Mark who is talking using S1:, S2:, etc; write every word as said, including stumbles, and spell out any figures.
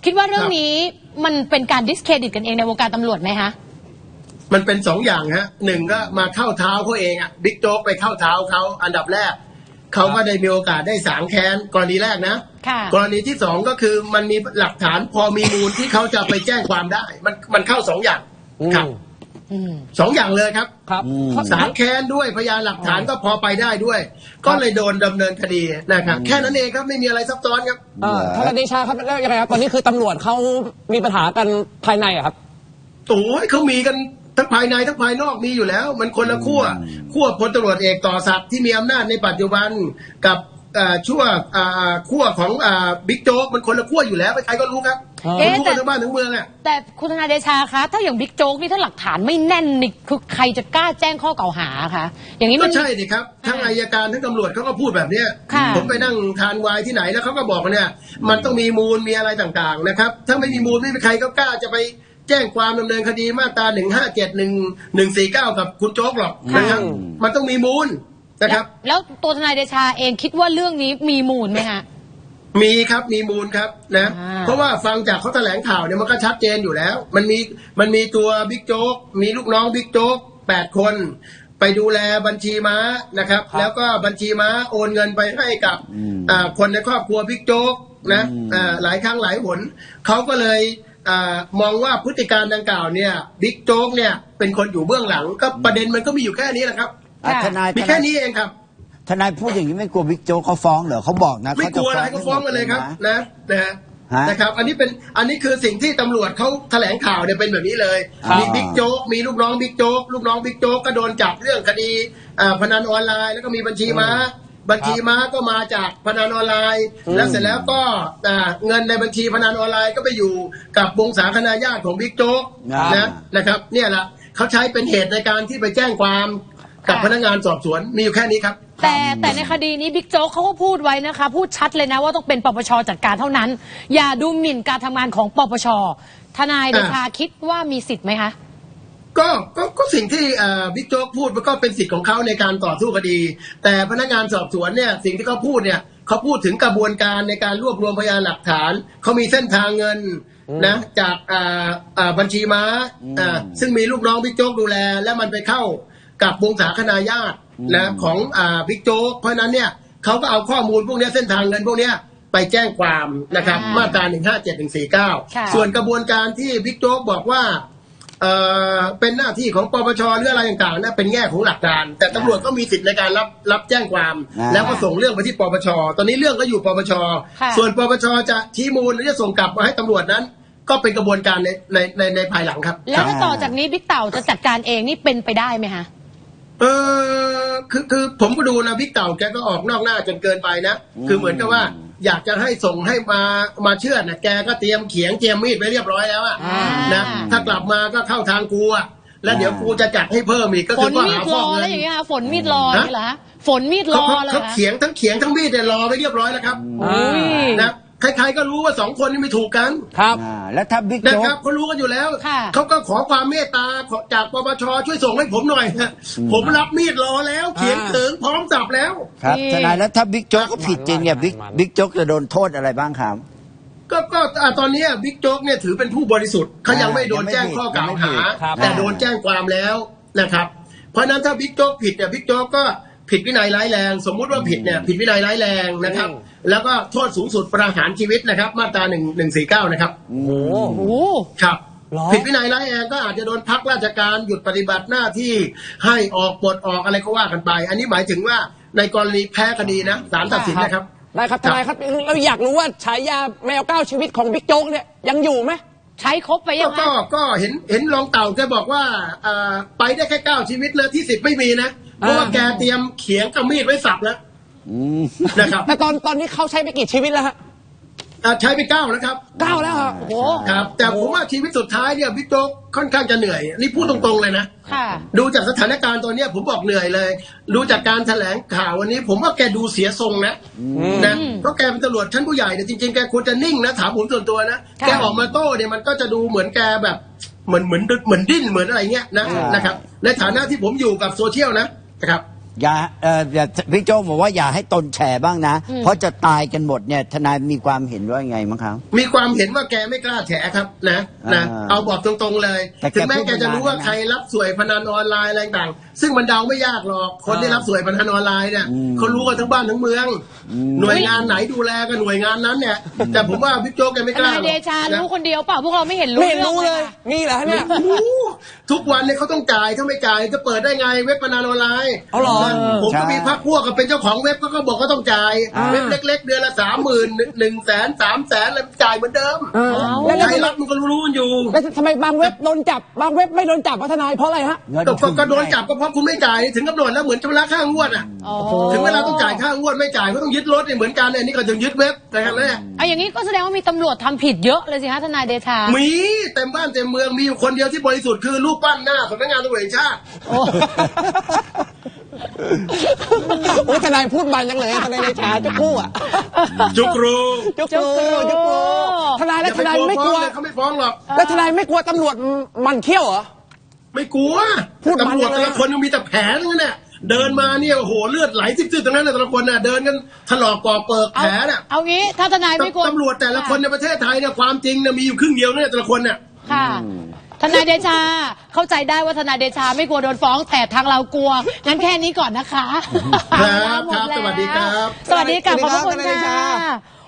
S1: คิดว่าเรื่องนี้มันเป็นการดิสเครดิตกันเองในวงการตำรวจไหมคะ
S2: มันเป็นสองอย่างฮะหนึ่งก็มาเข้าเท้าเขาเองอ่ะบิ๊กโจ๊กไปเข้าเท้าเขาอันดับแรกเขาก็ได้มีโอกาสได้สางแค้นกรณีแรกนะกรณีที่สองก็คือมันมีหลักฐานพอมีมูลที่เขาจะไปแจ้งความได้มันมันเข้าสองอย่างครับสองอย่างเลยครับครับสางแค้นด้วยพยานหลักฐานก็พอไปได้ด้วยก็เลยโดนดำเนินคดีนะครับแค่นั้นเองครับไม่มีอะไรซับซ้อนครับ
S3: ทนายเดชาครับแล้วยังไงครับตอนนี้คือตำรวจเขามีปัญหากันภายในอะครับ
S2: โอ้ยเขามีกันทั้งภายในทั้งภายนอกมีอยู่แล้วมันคนละขั้วขั้วพลตำรวจเอกต่อศักดิ์ที่มีอำนาจในปัจจุบันกับชั่วขั้วของบิ๊กโจ๊กมันคนละขั้วอยู่แล้วใครก็รู้ครับรู้กันทั้งบ้านทั้งเมืองอ่ะ
S1: แต่คุณธนาเดชาคะถ้าอย่างบิ๊กโจ๊กนี่ถ้าหลักฐานไม่แน่นนี่คือใครจะกล้าแจ้งข้อกล่าวหาคะอย่างนี้มัน
S2: ก็ใช่ดิครับทั้งอัยการทั้งตำรวจเขาก็พูดแบบนี้ผมไปนั่งทานไวน์ที่ไหนแล้วเขาก็บอกเนี่ยมันต้องมีมูลมีอะไรต่างๆนะครับถ้าไม่มีมูลไม่มีใครก็กล้าจะไปแจ้งความดำเนินคดีมาตราหนึ่งห้าเจ็ดหนึ่งหนึ่งสี่เก้ากับคุณโจ๊กหรอกนะครับมันต้องมีมูลนะครับ
S1: แล้วตัวทนายเดชาเองคิดว่าเรื่องนี้มีมูลไหมฮะ
S2: มีครับมีมูลครับนะเพราะว่าฟังจากเขาแถลงข่าวเนี่ยมันก็ชัดเจนอยู่แล้วมันมีมันมีตัวบิ๊กโจ๊กมีลูกน้องบิ๊กโจ๊กแปดคนไปดูแลบัญชีม้านะครับแล้วก็บัญชีม้าโอนเงินไปให้กับคนในครอบครัวบิ๊กโจ๊กนะหลายครั้งหลายหนเขาก็เลยมองว่าพฤติการดังกล่าวเนี่ยบิ๊กโจ๊กเนี่ยเป็นคนอยู่เบื้องหลังก็ประเด็นมันก็มีอยู่แค่นี้แหละครับ
S4: ทนาย
S2: มีแค่นี้เองครับ
S4: ทนายพูดอย่างนี้ไม่กลัวบิ๊กโจ๊กเขาฟ้องเหรอเขาบอกนะ
S2: ไม่กลัวอะไรเขาฟ้องกันเลยครับนะนะนะครับอันนี้เป็นอันนี้คือสิ่งที่ตำรวจเขาแถลงข่าวเนี่ยเป็นแบบนี้เลยมีบิ๊กโจ๊กมีลูกน้องบิ๊กโจ๊กลูกน้องบิ๊กโจ๊กก็โดนจับเรื่องคดีพนันออนไลน์แล้วก็มีบัญชีม้าบัญชีม้าก็มาจากพนันออนไลน์แล้วเสร็จแล้วก็เงินในบัญชีพนันออนไลน์ก็ไปอยู่กับวงศาคณาญาติของบิ๊กโจ๊กนะนะครับเนี่ยแหละเขาใช้เป็นเหตุในการที่ไปแจ้งความกับพนักงานสอบสวนมีอยู่แค่นี้ครับ
S1: แต่แต่ในคดีนี้บิ๊กโจ๊กเขาก็พูดไว้นะคะพูดชัดเลยนะว่าต้องเป็นปปชจัดการเท่านั้นอย่าดูหมิ่นการทำงานของปปชทนายเดชาคิดว่ามีสิทธิ์ไหมคะ
S2: ก็ก็ก็สิ่งที่บิ๊กโจ๊กพูดมันก็เป็นสิทธิ์ของเขาในการต่อสู้คดีแต่พนักงานสอบสวนเนี่ยสิ่งที่เขาพูดเนี่ยเขาพูดถึงกระบวนการในการรวบรวมพยานหลักฐานเขามีเส้นทางเงินนะจากบัญชีม้าซึ่งมีลูกน้องบิ๊กโจ๊กดูแลและมันไปเข้ากับวงศาคณาญาตินะของบิ๊กโจ๊กเพราะนั้นเนี่ยเขาก็เอาข้อมูลพวกนี้เส้นทางเงินพวกนี้ไปแจ้งความนะครับมาตราหนึ่งห้าเจ็ดหนึ่งสี่เก้าส่วนกระบวนการที่บิ๊กโจ๊กบอกว่าเอ่อเป็นหน้าที่ของปปชหรืออะไรต่างๆนะเป็นแง่ของหลักการแต่ตำรวจก็มีสิทธิ์ในการรับรับแจ้งความแล้วก็ส่งเรื่องไปที่ปปชตอนนี้เรื่องก็อยู่ปปชส่วนปปชจะชี้มูลหรือจะส่งกลับมาให้ตำรวจนั้นก็เป็นกระบวนการในในในในภายหลังครับ
S1: แล้วต่อจากนี้บิ๊กเต่าจะจัดการเองนี่เป็นไปได้ไหมคะ
S2: เออคือคือผมก็ดูนะบิ๊กเต่าแกก็ออกนอกหน้าจนเกินไปนะคือเหมือนกับว่าอยากจะให้ส่งให้มามาเชื่อนะแกก็เตรียมเขียงเตรียมมีดไว้เรียบร้อยแล้วอะนะถ้ากลับมาก็เข้าทางกูอะแล้วเดี๋ยวกูจะจัดให้เพิ่มอีกก็คือว่าหา
S1: ฟ้องเงินแล้วอย่างเงี้ยฝนมีดรอนี่เหรอฝนมีดรอเลย
S2: เขาเขียงทั้งเขียงทั้งมีดเนี่ยรอไว้เรียบร้อยแล้วครับนะใครๆก็รู้ว่าสองคนนี้ไม่ถูกกัน
S4: ครับแล้วถ้าบิ๊กโจ๊ก
S2: นะครับเขารู้กันอยู่แล้วเขาก็ขอความเมตตาจากปปชช่วยส่งให้ผมหน่อยผมรับมีดรอแล้วเขียงเถิงพร้อมจับแล้ว
S4: ครับทนายแล้วถ้าบิ๊กโจ๊กก็ผิดจริงเนี่ยบิ๊กบิ๊กโจ๊กจะโดนโทษอะไรบ้างครับ
S2: ก็ก็ตอนนี้บิ๊กโจ๊กเนี่ยถือเป็นผู้บริสุทธิ์เขายังไม่โดนแจ้งข้อกล่าวหาแต่โดนแจ้งความแล้วนะครับเพราะนั้นถ้าบิ๊กโจ๊กผิดเนี่ยบิ๊กโจ๊กก็ผิดวินัยร้ายแรงสมมุติว่าผิดเนี่ยผิดวินัยร้ายแรงนะครับแล้วก็โทษสูงสุดประหารชีวิตนะครับมาตราหนึ่งหนึ่งสี่เก้านะครับ
S1: โอ้โห
S2: ครับผิดวินัยร้ายแรงก็อาจจะโดนพักราชการหยุดปฏิบัติหน้าที่ให้ออกปลดออกอะไรก็ว่ากันไปอันนี้หมายถึงว่าในกรณีแพ้คดีนะศาลตัดสินนะครับ
S3: ได้ครับทนายครับเราอยากรู้ว่าฉายาแมวเก้าชีวิตของบิ๊กโจ๊กเนี่ยยังอยู่ไหม
S1: ใช้ครบไปยังไง
S2: ก็ก็เห็นเห็นรองเต่าแกบอกว่าไปได้แค่เก้าชีวิตเลยที่สิบไม่มีนะเพราะว่าแกเตรียมเขียงกับมีดไว้สับแล้วนะครับ
S3: แต่ตอนตอนนี้เขาใช้ไปกี่ชีวิตแล้วฮะ
S2: ใช้ไปเก้าแล้วครับ
S3: เก้าแล้วครับโอ้โห
S2: ครับแต่ผมว่าชีวิตสุดท้ายเนี่ยบิ๊กโจ๊กค่อนข้างจะเหนื่อยนี่พูดตรงๆเลยนะดูจากสถานการณ์ตัวเนี้ยผมบอกเหนื่อยเลยดูจากการแถลงข่าววันนี้ผมว่าแกดูเสียทรงนะนะเพราะแกเป็นตำรวจชั้นผู้ใหญ่เนี่ยจริงๆแกควรจะนิ่งนะถามผมส่วนตัวนะแกออกมาโต้เนี่ยมันก็จะดูเหมือนแกแบบเหมือนเหมือนเหมือนดิ้นเหมือนอะไรเงี้ยนะนะครับในฐานะที่ผมอยู่กับโซเชียลนะนะครับ
S4: อย่าเอ่ออย่าพี่โจ๊กบอกว่าอย่าให้ตนแฉบ้างนะ เพราะจะตายกันหมดเนี่ยทนายมีความเห็นว่าไงมั้งครับ
S2: มีความเห็นว่าแกไม่กล้าแฉครับนะนะ
S4: อ่า
S2: เอาบอกตรงๆเลย
S4: แต่แก
S2: ถึงแม้
S4: พูด
S2: แกจะรู้ว่า
S4: ไม่ได้นะ
S2: ใครรับสวยพนันออนไลน์อะไรต่างๆซึ่งมันเดาไม่ยากหรอกคนที่รับสวยพนันออนไลน์เนี่ยเขารู้กันทั้งบ้านทั้งเมือง หน่วยงานไหนดูแลกันหน่วยงานนั้นเนี่ยแต่ผมว่าบิ๊กโจ๊กแกไม่
S1: ท
S2: กล้าห
S1: นาร ย
S2: อก
S1: เดชา
S2: นะ
S1: รู้คนเดียวเปล่าพวกเราไม่เห็นรู้
S3: ไม่เห็น
S1: เรื่อง
S3: รู้
S1: เล
S3: เลย ย
S1: ค่ะ
S3: นี่เหรอฮะเนี่ย
S2: โอ้โหทุกวันเนี่ยเขาต้องจ่ายถ้าไม่จ่ายจะเปิดได้ไงเว็บพนันออนไลน์
S3: เอาเหรอ
S2: นะผมก็
S4: ใช่
S2: มีพักพวกก็เป็นเจ้าของเว็บก็ก็บอกก็ต้องจ่าย
S3: อ่า
S2: เว็บเล็ก ๆ เดือนละสามหมื่นหนึ่งแสนสามแสนอะไรจ่ายเหมือนเดิม
S3: เออแล้ว
S2: ไท
S3: แล้ว
S2: ยรัฐมันก็รู้ๆกันอยู่
S3: แล้วทำไมบางเว็บโดนจับบางเว็บไม่โดนจับวะทนายเพราะอะไรฮะ
S4: เงิน
S2: ก็
S4: ทุน
S2: ก็โดนจับก็เพราะคุณไม่จ่ายถึงกำหนดแล้วเหมือนชำระค่างวดอ่ะ
S1: อ๋อ
S2: ถึงเวลาต้องจ่ายค่างวดไม่จ่ายก็ต้องยึดรถเนี่ยเหมือนกันเนี่ยนี่ก็จะยึดเว็บนะครับเนี่ย
S1: เอาอย่างนี้ก็แสดงว่ามีตำรวจทำผิดเยอะเลยสิฮะทนายเดชา
S2: มีเต็มบ้านเต็มเมืองมีอยู่คนเดียวที่บริสุทธิ์คือรูปปั้นหน้าสำนักงานตำรวจแห่งชาติ
S1: โอ้
S3: โอ้ยทนายพูดมันจังเลยทนายในชาจุกกู้อ่ะ
S2: จุกรู
S3: จุกกู้จุกกู้ทนาย
S2: อ
S3: แล้ว
S2: ย่า
S3: ท
S2: ไป
S3: นาย
S2: กลัว
S3: ไม่
S2: ฟ้
S3: ก
S2: อง
S3: ลัว
S2: เลยเขาไม่ฟ้องหรอก
S3: แล้วทนายไม่กลัวตำรวจมันเขี้ยวเหรอ
S2: ไม่กลัว
S3: พูดมัน
S2: ตำรวจ
S3: เลย
S2: แต่ละคนยังมีแต่แผลทั้งนั้นเนี่ยเดินมาเนี่ยโอ้โหเลือดไหลซิบๆตรงนั้นเลยแต่ละคนน่ะเดินกันถลอกปอกเปิก
S1: เอา
S2: แผลน่ะ
S1: เอางี้ถ้าทนายไม่กลัว
S2: ตำรวจแต่ละคนในประเทศไทยเนี่ยความจริงเนี่ยมีอยู่ครึ่งเดียวเนี่ยแต่ละคนเนี่ย
S1: ค่ะ ทนายเดชาเข้าใจได้ว่าทนายเดชาไม่กลัวโดนฟ้องแต่ทางเรากลัวงั้นแค่นี้ก่อนนะคะ
S2: ครับ
S1: หม
S2: ครับ
S1: แล้
S2: สวัสดีครับ
S1: สวัสดีค่ะขอบพระคุณ
S3: สวัสดีครับทนายเดชา
S1: ค่ะ